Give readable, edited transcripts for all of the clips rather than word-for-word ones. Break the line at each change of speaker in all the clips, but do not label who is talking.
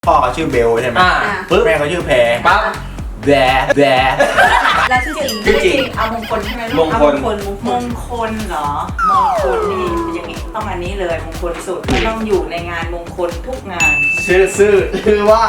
พ่อเขาชื่อเบลใช่ไหมปึ๊บแม่เขาชื่อแพร
ปั๊บ
แดแด
แล้วชื่อจริงเอามงคลใช่ไหมลูก
มงคล
มงคลเหรอมงคลนี่อย่างนี้ต้องอันนี้เลยมงคลสุดมันต้องอยู่ในงานมงคลทุกงาน
ชื่อว่า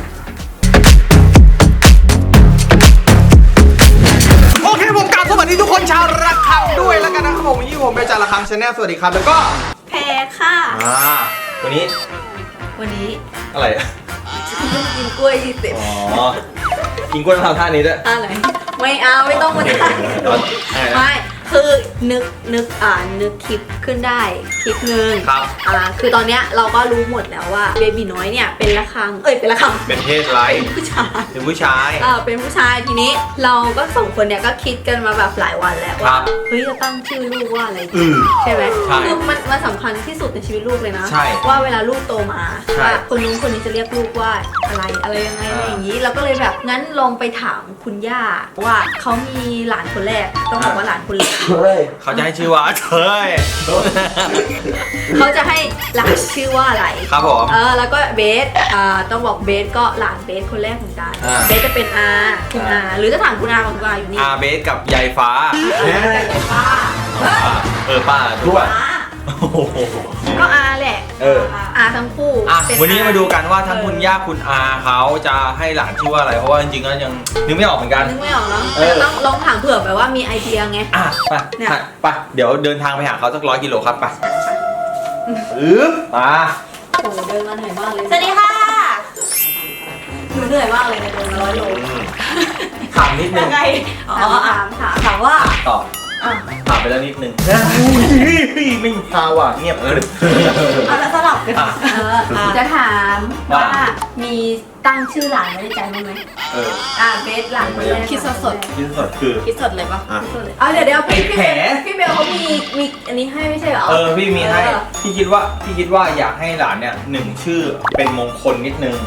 โอเคผมกราบสวัสดีทุกคนชาวระฆังด้วยแล้วกันนะครับผมวันนี้ผมเป็นจ่าระฆังชาแนลสวัสดีครับแล้วก็
แพรค่ะ
วันนี้
วันนี้
อะไรอะ
กินกล้วยที่เต็ม
อ๋อกินกล้วยทำท่านี้ด้วย
อะไรไม่เอาไม่ต้องมาถ่ายไม่คือนึกคลิปขึ้นได้คลิปนึง
ครับ
คือตอนเนี้ยเราก็รู้หมดแล้วว่าเบบีน้อยเนี่ยเป็นระฆังเป็นระฆัง
เป็นเพศไร
เป็นผู้ชาย
เป็นผู้ชาย
เป็นผู้ชายทีนี้เราก็สองคนเนี่ยก็คิดกันมาแบบหลายวันแล้ว
ครั
ว่า
บ
เฮ้ยจะตั้งชื่อลูกว่าอะไรดี
อืม
ใช่ไหม
ใช่
คือมันสำคัญที่สุดในชีวิตลูกเลยนะ
ใช่
ว่าเวลาลูกโตมา
ใช่
ว่าคนนู้นคนนี้จะเรียกลูกว่าอะไรยังไงอะไรอย่างนี้เราก็เลยแบบงั้นลองไปถามคุณย่าว่าเขามีหลานคนแรกต้องบอกว่าหลานคนเล็ก
เขาจะให้ชื่อว่าเธย
เขาจะให้หลานชื่อว่าอะไร
ครับผม
แล้วก็เบสต้องบอกเบสก็หลานเบสคนแรกเหมือนกัน เบสจะเป็นคุณอาหรือจะถามคุณอาของคุณอาอยู่นี่
อาเบสกับยายฟ้า
ป้า
ป้าด้วย
ก็อาแหละ อาทั้งคู่
วันนี้มาดูกันว่าทั้งคุณย่าคุณอาเขาจะให้หลานชื่อว่าอะไรเพราะว่าจริงๆก็ยังนึกไม่ออกเหมือนกัน
นึกไม่ออกเนาะแต่ต้องลองถามเผื่อแบบว่ามีไอเดียไง
ไปเดี๋ยวเดินทางไปหาเขาสัก100 กิโลครับไปมา
โอ้เดินมาเหนื่อยมากเลยสวัสดีค่ะหนูเหนื่อยมากเลยนะเดินมา100 โล
ถามนิดนึง
ถามว่า
ตอบถามไปแล้วนิดนึงไม่มีพาว่ะเงียบเลย
แล้วสลับกันจะถามว่ามีตั้งชื่อหลานไว้ในใจบ้างไหมเบสหลานคนแรกคิดสด
คิดสดคือ
คิดสดเลยปะเดี๋ยวพี่เบลเขามีอันนี้ให้ไม่ใช่เหรอ
พี่มีให้พี่คิดว่าอยากให้หลานเนี่ย1ชื่อเป็นมงคลนิดนึง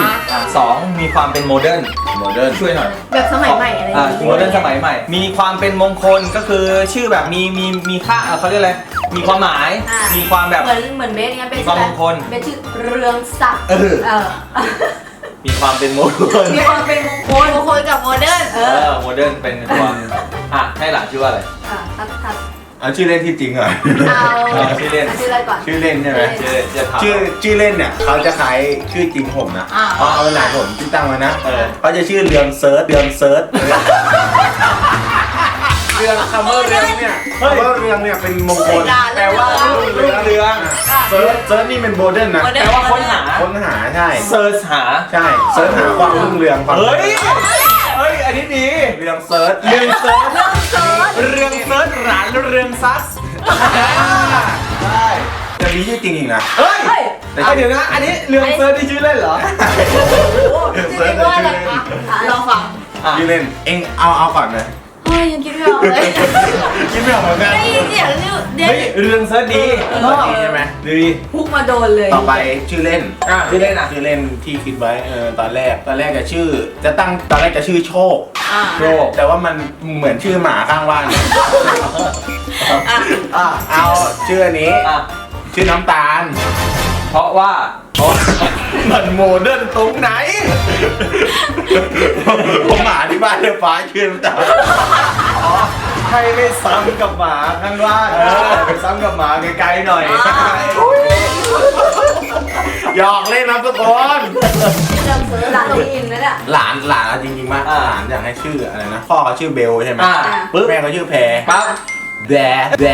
2มีความเป็นโมเดิร์นช่วยหน่อย
แบบสมัยใหม่อะไรอย่างงี้
โมเดิร์นสมัยใหม่ มีความเป็นมงคลก็คือชื่อแบบมีค่าเขาเรียกอะไรมีความหมายมีความแบบ
เหมือนเบสเนี่ยเป็น
ความมงคล
เป็นชื่อเรืองศักดิ์
มีความเป็นโมเดิร์น
มีความเป็นมงคลกับโมเดิร์น
โมเดิร์นเป็นความให้หลานชื่อว่าอะไร
เอาชื่อเล่นที่จริงเหรอ
ชื่อเล่น
ชื่ออะไรก่อน
ชื่อเล่นใช่ไหม ชื่อเล่นเนี่ยเขาจะคล้ายชื่อจริงผมนะเอาหลานผมที่ตั้งมานะเขาจะชื่อเรืองเซิร์ชเรืองคำว่าเรืองเนี่ยคำว่าเรืองเนี่ยเป็นมงคล
แปลว่ารุ่งเรือง
เซิร์ชนี่เป็นโมเดิร์นนะ
แปลว่าค้นหา
ใช่
เซิร์ชหา
ใช่เซิร์ชหาความรุ่งเรืองความ
เฮ้ยอันนี้ดี
เรืองเซิร์ช
เรืองเซิร์ชหลานเรืองซัส
ใช่จะมีชื่อจริงอีกนะ
เฮ้ยเดี๋ยวนะอันนี้เรืองเซิร์ชนี่ชื่อเล่นเหรอ
เซิร์ชชื่อเล่น
ลองฟัง
ชื่อเล่นเอ็งเอาก่อนเลย
เฮ้ยยังคิดไม่ออกเลย
คิดไม่ออกเหมือนกัน
ได้ยินเสียงนี่เดี๋ยว
เฮ้ยเรืองเซิร์ชดี
ใช่ไหม
ดี
พุกมาโดนเลย
ต่อไปชื่อเล่น
ชื่อเล่นอ่ะ
ชื่อเล่นที่คิดไว้ตอนแรกจะชื่อตอนแรกจะชื่อโชค
โชค
แต่ว่ามันเหมือนชื่อหมาข้างบ้านเอาชื่ออันนี้ชื่อน้ำตาล
เพราะว่า
มันโมเดิร์นตรงไหนผมหมาที่บ้านเลยฟ้าชื่อน้ำตาล
ให้ไม่ซ้ำกับหมาข้างบ้านไปซ้ำกับหมาไกลๆหน่อย
หยอกเล่นนะทุกคน
เริ่มซื้อร้านตรงอินแล้วเนี่ย
หลานเอาจริงๆมากหลานอยากให้ชื่ออะไรนะพ่อเขาชื่อเบลใช่ไหม
ปึ๊บ
แม่เขาชื่อแพร
ปั๊บ
แด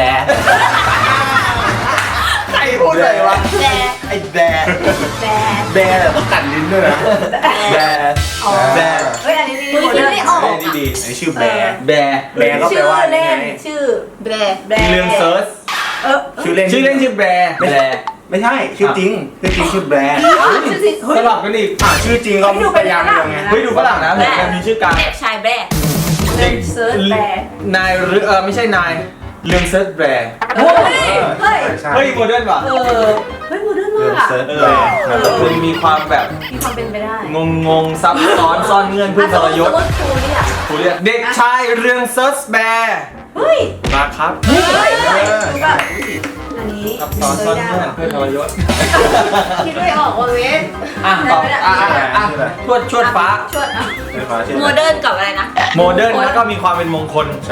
ใครพูดเลยวะ
ไอ้แดต้องกัดลิ้นด้วยนะแด
เฮ้ยอันนี้ดีคิดไม่ออก
ดี
ไอ้ชื่อแบร์
แบร์
แบร์ก็แปล
ชื่อ
ว่า
เล่น
ไง
ชื่อแบร์
เรื่องเซิร์ช
ชื่อเล่น
ชื่อแบร์
ไม่ใช่ชื่อจริงชื่อแบร์
ชื่อสิ
สลับกันอีก
ชื่อจริงเขาพยายามเรียงไง
เฮ้ยดูฝรั่งนะเหมือนกันมีชื่อกลาง
เด็กชายแบร์เล่นเซิร์ชแบร์
นายไม่ใช่นายเรื่องเซิร์ชแบร์
เฮ้ย
เฮ้ยโมเดิร์นว่ะ
เฮ้ยโมเดิร์นมากอ่ะ
เซิร์ชแบร์
มันมีความแบบ
มีความเป็นไปได้
งงซับซ้อนซ่อนเงื่อนพึ่งทรยศ
ครูเนี่ย
ครูเรียกเด็กชายเรื่องเซิร์ชแบร์
เฮ้ย
มาครับ
เฮ้ยแบบอันนี้
ซับซ้อนซ่อนเงื่อนเพื่อนทรยศ
คิดไม่ออกว่าเวท
อ่ะต่อชวดฟ้า
ชวดอ่ะ
ไม่ฟ้าชื่อ
โม
อะไร
เดิร์นกับอะไรนะ
โมเดิร์นแล้วก็มีความเป็นมงคล
ใช่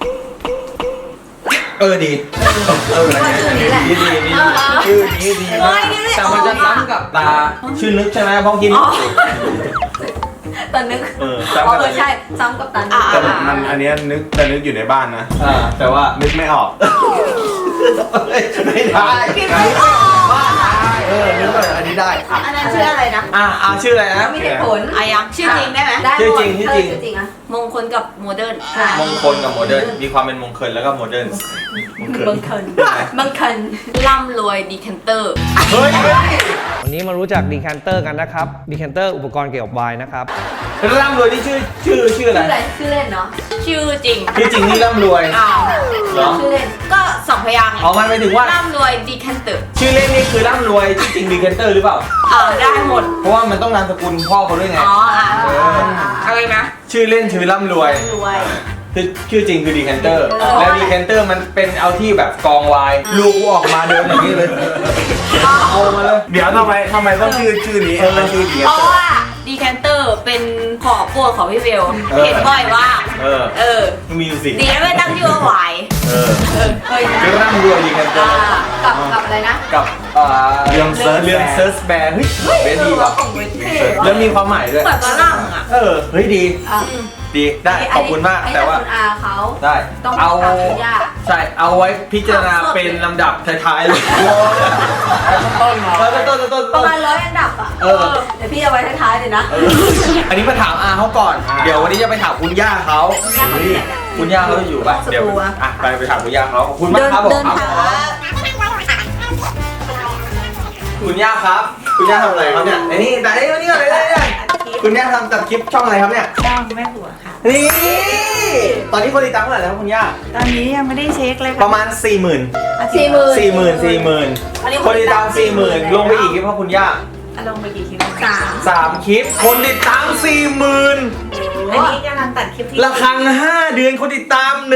ดี
ว่าชื่อนี้แหละ
ดีชื่อนี้ดีมากแต่มันจะซ้ำกับตาชื่อนึกใช่ไหมพ้องกิน
ตอนนึก
ซ้ำกับ
ใช่ซ้ำกับตัน
แต่มันอันเนี้ยนึกแต่นึกอยู่ในบ้านนะ
แต่ว่า
นึกไม่ออก
ไม่ได้
คิดไม่ออก
นึกว่าอันนี้ได้
อันนั้นชื่ออะไรนะ
ชื่ออะไรนะ
มีเหตุผลอายังชื่อจริงได้ไหมได้
ชื่อจริงชื่อจริง
ชื่อจริงอะมงคลกับโมเดิร์น
มงคลกับโมเดิร์นมีความเป็นมงคลแล้วก็โมเดิร์น
บังเคิลบังเคิลร่ำรวยดีแคนเตอร์
เฮ้ย
วันนี้มารู้จักดีแคนเตอร์กันนะครับดีแคนเตอร์อุปกรณ์เกี่ยวกับไวน์นะครับ
ร่ำรวยนี่ชื่ออะไร
ชื่ออะไรชื่อเล่นเนาะชื่อจริง
ชื่อจริงนี่ร่ำรวย เหรอ
ชื่อเล่นก็สองพยางค์
เอามันไปถึงว่า
ร่ำรวยดีแคนเตอร์
ชื่อเล่นนี่คือร่ำรวยชื่อจริงดีเคนเตอร์หรือเปล่า
ได้หมด
เพราะว่ามันต้องนามสกุลพ่อเขาด้วยไง
อะไรนะ
ชื่อเล่นชื่อร่ำรวย
รวย
ชื่อจริงคือดีแคนเตอร์และดีแคนเตอร์มันเป็นเอาที่แบบกองไวน์ลูกออกมาเดินอย่างนี้เลยเอามาเลย
เดี๋ยวทำไมต้องชื่อนี้มันชื่อดี
เพราะว่าดีแคนเตอร์เป็นของโปรดของพี่เบลเห็นบ่อยว่า
มีอยู่สิ
ดีนะไม่ตั้งชื่อว่าหวายเคย
คือร่ำรวยดีแคนเตอร์
กับอะไรนะ
กับเรื่องเซิร์ชแบร์เฮ้ยเบสดีว่ะแล้วมีความหมายด้วย
เหมือนฝรั่งอ่ะ
เฮ้ยดีได้ขอบคุณมากแต่ว่า
คุณอาเขา
ได้
ต้อง
เอา
ถามคุณย่า
ใช่เอาไว้พิจารณาเป็นลำดับท้ายๆเลยต้น
ประมาณ100 อันดับอ่ะเดี๋ยวพี่เอาไว้ท้ายๆเลยนะ
อันนี้มาถามอาเขาก่อนเดี๋ยววันนี้จะไปถามคุณย่าเขาคุณย่าเขาอยู่ป่ะเดี๋ยวไปถามคุณย่าเขาขอบคุณมากครับผมคุณย่าครับคุณย่าทำอะไรครับเนี่ยนี่แต่นี่วันนี้อะไรเนี่ยคุณย่าทำตัดคลิปช่องอะไรครับเนี่ย
ช่องแม่หัวค่ะ
นี่ตอนนี้คนติดตามเท่าไหร่แล้วคุณย่า
ตอนนี้ยังไม่ได้เช็คเลย
ป
ค่ะ
ระมาณ 40,000คนติดตาม 40,000ลงไปอีกเพราะคุณย่า
ลงไปกี่คลิป
3 คลิปคนติดตาม 40,000
อันนี้กำลังตัดคลิปที่
ละครัง5 เดือนคนติดตาม 10,000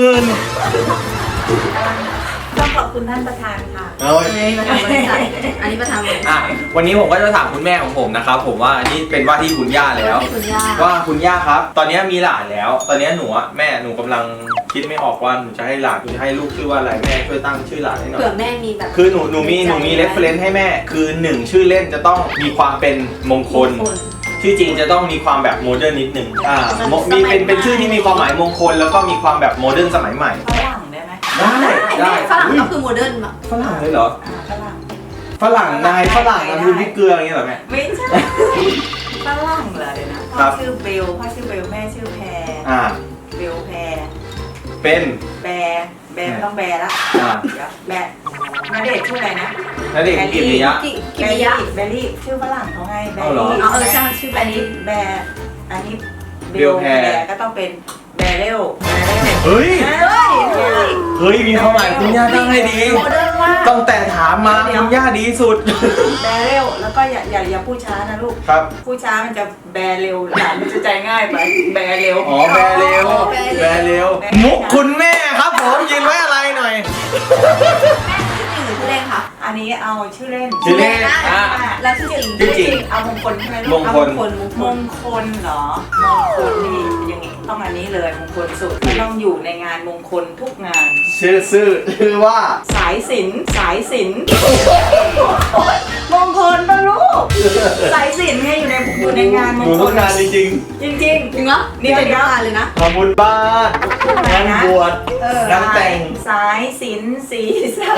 ต้องขอบคุณท่านประธานค่ะ
ประธานบริษัทอันนี้ประธานบริษัท
วันนี้ผมก็จะถามคุณแม่ของผมนะครับผมว่าอันนี้เป็นว่าที่คุณย่าแล้ว
คุณย่า
ว่าคุณย่าครับ ตอนนี้มีหลานแล้ว ตอนนี้หนูแม่หนูกำลังคิดไม่ออกว่าหนูจะให้หลานหนูจะให้ลูกชื่อว่าอะไรแม่ช่วยตั้งชื่อหลานให้หน่อย
เผื่อแม่มีแบบ
คือหนูมีเรฟเฟรนซ์ให้แม่คือ1ชื่อเล่นจะต้องมีความเป็นมงคล ชื่อจริงจะต้องมีความแบบโมเดิร์นนิดนึงมีเป็นชื่อที่มีความหมายมงคลแล้วก็มีความแบบโมเดิร์นสมัยใหม่
ฝรั่งได้ไหม
ได้
ฝรั่งก็คือโมเดิร์นแบบ
ฝรั่งเลยเหรอ
ฝรั่ง
ฝรั่งนะคือพริกเกลืออย่างเงี้ยเหรอแม่
ไม่ใช่ฝรั่งเหรอเดี๋ยวนะ
ครั
พ่อบ ชื่อเบลแม่ชื่อแพร เบลแพร
เป็น
แบร์ไม่ต้องแบร์ละเดี๋ยวแบร์ณเดชน์ชื่ออะไรนะ
แล้วเด็กกิริยะ
กิริยะ
แบรี่ชื่อฝรั่งเขาไงแบ
เอาเหรอ
รี่
ใช่ชื่อแบ
อัน
นี้
นี้แบร์อันนี้
เบลแพร
ก็ต้องเป็นแบร์เรล
เฮ้ยมีความหมายคุณย่าตั้งให้ดี
โมเดิร์นมาก
ตั้งแต่ถามมาคุณย่าดีสุด
แบร์เรลแล้วก็อย่าพูดช้านะลูก
ครับ
พูดช้ามันจะแบร์เร็วหลานมันจะใจง่ายไปแบร์เร็ว
อ๋อแบร์เร็วมุกคุณแม่ครับผมยินไว้อะไรหน่อย
แม่ชื่อจริงหรือชื่อเล่นคะ
อันนี้เอาชื่อเล่น
ชื่อเล่น
แล้วชื่อจริง
ชื่อจริง
เอามงคลใช่ไหม
ม
ลูก
ง
เอา
คล
มงคลเหรอมงคลนี่อย่างงี้ต้องอันนี้เลยมงคลสุดมันต้องอยู่ในงานมงคลทุกงาน
ชื่อว่า
สายสิญจนมงคลปะลูกสายสิญจนไงอยู่ในงานม
ห
ง
นู
ค
ทุ
ล
กงานจริง
จริง
จริงเหรอนี่เป็นงานเลยนะ
ๆทำบุญบ้านงานบวชงานแต่ง
สายสิญจนสีสา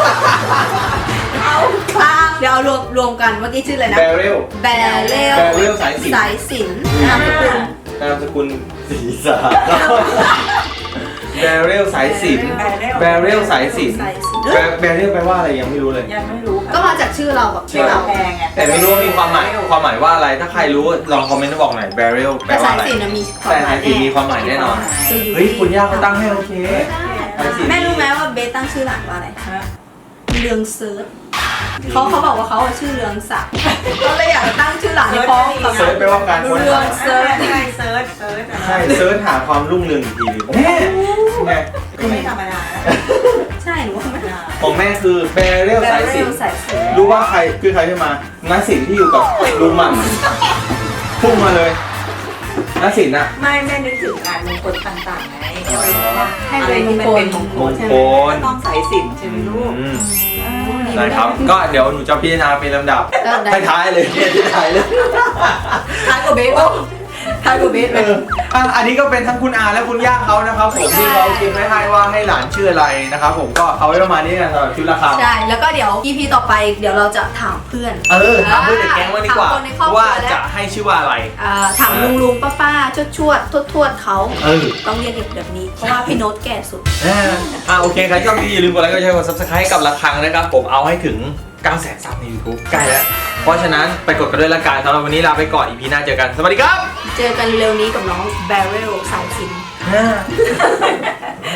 เดี๋ยวเอารวมกันเมื่อกี้ชื่ออะไรนะ
แบเรล
แบเรล
สายสิญจน์
สายสิญจน์นามสกุล
นามสกุลศีรษะแบเรลสายสิญจน์แบเรลสายสิญจน์แบเรลแปลว่าอะไรยังไม่รู้เลย
ยังไม่รู้ค่ะ
ก็มาจากชื่อเราแบบ
ชื่อเราแพงไง
แต่ไม่รู้ว่ามีความหมายว่าอะไร ถ้าใครรู้ลองคอมเมนต์มาบอกหน่อย barrel แปล
แต่
ว่า
สาย
อะไร
สิญจน์มีควา
แต่
มหมา
สาย ยสิญจน์มีความหมายแน่นอน เฮ้ยคุณย่าเขาตั้งให้โอเค
แม่รู้ไหมว่าเบสตั้งชื่อหลานว่าอะไร
ฮะ
เรืองเซิร์ชเขาบอกว่าเขาชื่อเรืองศักดิ์ก็เลยอยากตั้งชื่อหลานให้พ้องกับ
เซิร์ชแปลว่าการค้น
เรือง
หา
เซิร์ช
ใช่เซิร์ช
ใช่เซิร์ชหาความรุ่งเรืองอีกทีนึงแม่ไง
ไม่ธรรมดานะ
ใช่หนูว่าไม่
ของแม่คือแบเรลสายสิญ
สายสิญ
รู้ว่าใครคือใครที่มาน้าสินที่อยู่กับลุงหม่ำพุ่งมาเลยน้าสินอะ
ไม่แม่นึกถึงงานมงคลต่างๆไง
ให้เป็นมงคล
มงคล
ต้องสายสิญจน์ใช่ไหมลูก
นะครับก็เดี๋ยวหนูจะพิจารณาเป็นลำดับท้ายๆเลยท้ายๆเลย
ท้ายกว่าเบสท้ายกว่าเบสเลย
อันนี้ก็เป็นทั้งคุณอาและคุณย่าเขานะครับผมที่เขาคิดไว้ให้ว่าให้หลานชื่ออะไรนะครับผมก็เอาไว้ประมาณนี้กันสำหรับชุดราคา
ใช่แล้วก็เดี๋ยว EP ต่อไปเดี๋ยวเราจะถามเพื่อน
ถามเพื่อนในแก๊งว่าดีกว่า
ถามคนในครอบครัว
ว่าจะให้ชื่อว่าอะไร
ถามลุงป้าชวดทวดเขา
เ
ต้องเรียกแบบนี้เพราะว่าพี่โน้ตแก่สุด
โอเคใครชอบอย่าลืมกดไลค์กดแชร์กด subscribe กับระฆังนะครับผมเอาให้ถึง 900,000 ซับใน YouTube ใกล้แล้ว เพราะฉะนั้นไปกดกันด้วยละกันสำหรับวันนี้ลาไปก่อน EP หน้าเจอกันสวัสดีครับ
เจอกันเร็วนี้กับน้องแบเรลสายสิญจน์